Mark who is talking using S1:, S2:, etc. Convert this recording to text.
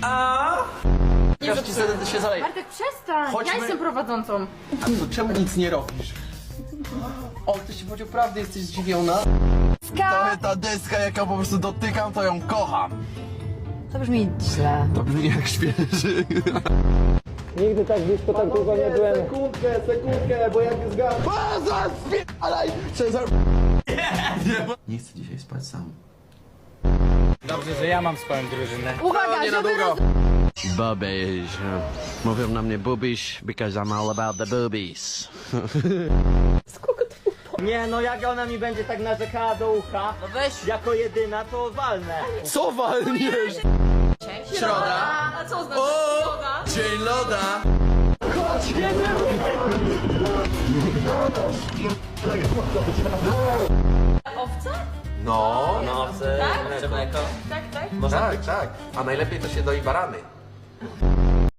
S1: Każdy się zaleje.
S2: Bartek, przestań!
S1: Chodźmy.
S2: Ja jestem prowadzącą.
S1: A to czemu nic nie robisz? O, ty się powiedział prawdę, jesteś zdziwiona?
S3: To ta deska, jaką po prostu dotykam, to ją kocham.
S4: To brzmi źle.
S3: To brzmi jak świeży.
S5: Nigdy tak blisko, tak długo nie byłem.
S3: Sekundkę, bo jak zgam... Spierdalaj! Cezar... Nie chcę dzisiaj spać sam.
S5: Dobrze, że ja mam swoją drużynę.
S2: Uwaga,
S3: Nie na
S2: żeby
S3: długo.
S6: Boobies. Mówią na mnie boobies, because I'm all about the boobies.
S5: Nie, no jak ona mi będzie tak narzekała do ucha, no weź, jako jedyna, to walnę.
S3: Co walniesz?
S1: Środa.
S2: A co oznacza
S3: O!
S2: środa?
S3: Dzień loda!
S2: Owca?
S3: No,
S5: No, mleko.
S2: Tak, tak.
S3: tak. A najlepiej to się doi barany.